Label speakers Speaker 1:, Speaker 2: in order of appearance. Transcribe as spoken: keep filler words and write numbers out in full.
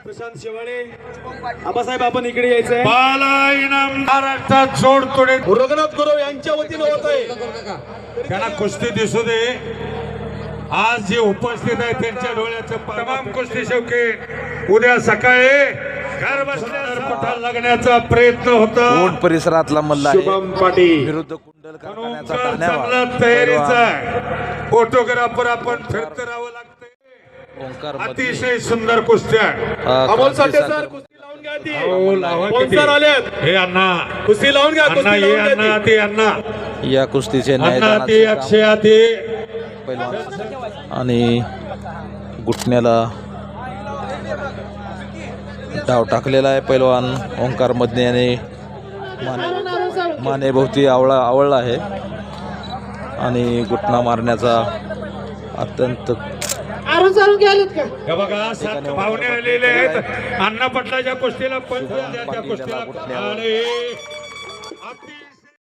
Speaker 1: प्रशांत शेवाळे आबासाहेब आपण इकडे यायचंय.
Speaker 2: बाला इनाम महाराष्ट्रात जोड तोडे
Speaker 1: रघुनाथ गुरव यांच्या वतीने होत आहे.
Speaker 2: त्यांना कुस्ती दिसू दे. आज जे उपस्थित आहे त्यांच्या डोळ्याचं तमाम कुस्ती शौकीन उद्या सकाळी घर बसल्या पठार लागण्याचा प्रयत्न होता.
Speaker 3: कोट परिसरातला मल्ल आहे.
Speaker 1: शुभम पाटील
Speaker 3: विरुद्ध कुंडल कारखान्याचा
Speaker 2: चांगला
Speaker 3: धान्यावाद.
Speaker 2: तयारीचा फोटोग्राफर आपण फिरत राहावं लागतंय.
Speaker 3: ओंकार
Speaker 2: अतिशय सुंदर कुस्त्या.
Speaker 1: अमोल साठे सर कुस्ती लावून घ्या ती.
Speaker 2: हो, लावा किती.
Speaker 1: स्पॉन्सर आलेत.
Speaker 2: हे अण्णा
Speaker 1: कुस्ती लावून घ्या.
Speaker 2: अण्णा
Speaker 1: कुस्ती
Speaker 2: ये
Speaker 1: लावून
Speaker 2: अण्णा
Speaker 1: घ्या ती.
Speaker 2: ते अण्णा
Speaker 3: या कुस्तीचे
Speaker 2: अण्णा ते
Speaker 3: न्यायदानाचे काम
Speaker 2: अक्षया ते
Speaker 3: पैलवान आणि घुटण्याला डाव टाकलेला आहे. पैलवान ओंकार मदने याने माने मानेभोवती आवळा आवळला आहे आणि घुटणा मारण्याचा अत्यंत
Speaker 2: हे बघा सात पाहुणे आलेले आहेत. अण्णा पटलाच्या कुस्तीला पण
Speaker 3: शुभम पाटील याला
Speaker 2: कुस्तीला
Speaker 3: घुटण्यावर.
Speaker 2: आणि अति